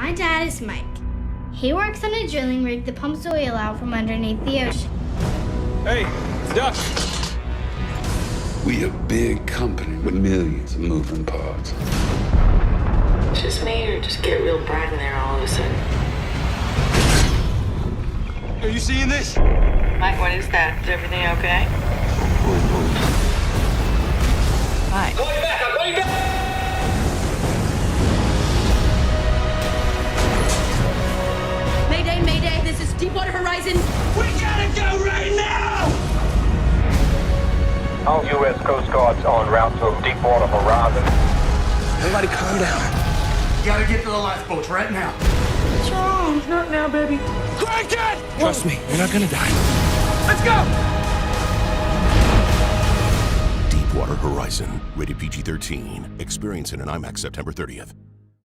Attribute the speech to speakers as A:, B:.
A: My dad is Mike. He works on a drilling rig that pumps oil out from underneath the ocean.
B: Hey, Duck.
C: We a big company with millions of moving parts.
D: Just me, or just get real bright in there all of a sudden?
B: Are you seeing this?
D: Mike, what is that? Is everything okay? Hi.
B: Call you back, I'll call you back!
E: Mayday, Mayday, this is Deepwater Horizon.
B: We gotta go right now!
F: All U.S. Coast Guards en route to Deepwater Horizon.
B: Everybody calm down.
G: Gotta get to the lifeboats right now.
A: What's wrong?
B: Not now, baby. Crank it! Trust me, you're not gonna die. Let's go!
H: Deepwater Horizon, rated PG-13. Experience it in IMAX September 30th.